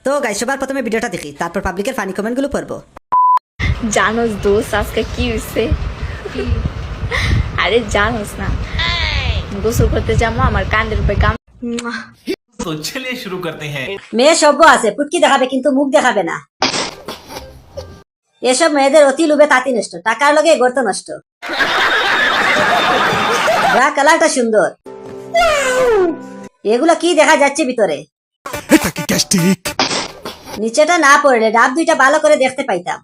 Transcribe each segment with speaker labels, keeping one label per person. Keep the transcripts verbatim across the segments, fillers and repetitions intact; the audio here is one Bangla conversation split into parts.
Speaker 1: তো গাইস সবার প্রথমে ভিডিওটা দেখি, তারপর পাবলিকের ফানি কমেন্টগুলো পড়বো।
Speaker 2: জানোস দোস্ত আজকে কি হয়েছে? আরে জানোস না, গোসল করতে যাবো, আমার কান্দের উপরে কাম।
Speaker 3: तो चलिए शुरू करते हैं।
Speaker 1: মেয়ে সভ্য আছে, পুটকি দেখাবে কিন্তু মুখ দেখাবে না। এসব মেয়েদের অতি লোভে তাঁতি নষ্ট, টাকার লগে গর্ত নষ্ট। ব্রা কালারটা সুন্দর, এগুলো কি দেখা যাচ্ছে ভিতরে?
Speaker 4: এটা কি গ্যাস্ট্রিক?
Speaker 1: নিচেটা না পড়লে ডাব দুইটা ভালো করে দেখতে পাইতাম।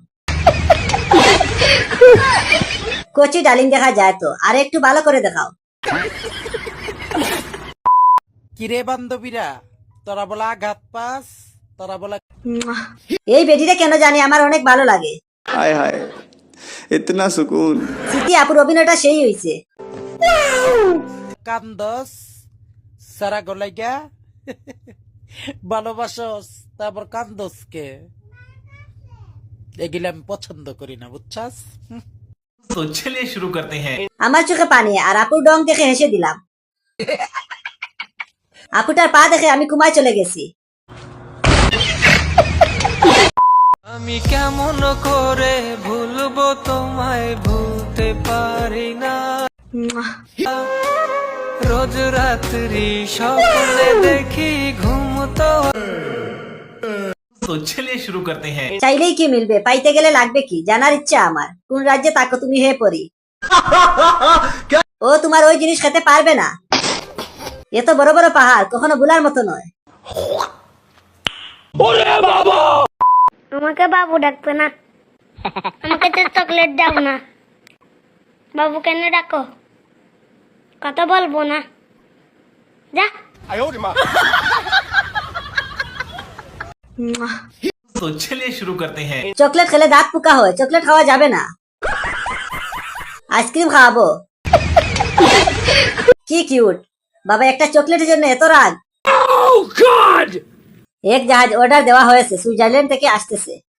Speaker 1: কচি ডালিম দেখা যায় তো, আর একটু ভালো করে দেখাও।
Speaker 5: কিরে বান্ধবীরা, তোরা বলা আঘাত পাস, তোরা বলা
Speaker 1: এই বেডিটা কেন জানি আমার অনেক ভালো লাগে।
Speaker 6: हाय हाय इतना सुकून।
Speaker 1: স্মৃতি আপুর অভিনয়টা সেই হয়েছে।
Speaker 5: কান্দস সারা গলাইগা ভালোবাসস, তারপর কান্দস কে? এগুলো আমি পছন্দ করি না, বুঝছাস?
Speaker 3: तो चलिए शुरू करते हैं।
Speaker 1: আমার চোখে পানি, আর আপুর ডং দেখে হেসে দিলাম। আপুটার পা দেখে আমি কুমায় চলে গেছি।
Speaker 7: আমি কেমন করে ভুলবো তোমায়, ভুলতে পারি না। রোজ রাত্রি স্বপ্নে দেখি ঘুম তো।
Speaker 3: तो चलिए शुरू करते हैं।
Speaker 1: চাইলেই কি মিলবে, পাইতে গেলে লাগবে কি, জানার ইচ্ছা আমার। কোন রাজ্যে তাকো তুমি হে পরি। ও তোমার ওই জিনিস খেতে পারবে না। এত বড় বড় পাহাড় কখনো ভুলার মতো নয়।
Speaker 8: আমাকে বাবু ডাকবে না, আমাকে তো চকলেট দাও না। বাবু কেন ডাকো? কথা বলবো না, যা।
Speaker 3: तो चलिए शुरू करते हैं।
Speaker 1: চকলেট খেলে দাঁত পোকা হয়, চকলেট খাওয়া যাবে না। আইসক্রিম খাওয়াবো। কি কিউট বাবা, একটা চকলেটের জন্য এত রাগ। এক জাহাজ অর্ডার দেওয়া হয়েছে, সুইজারল্যান্ড থেকে আসতেছে।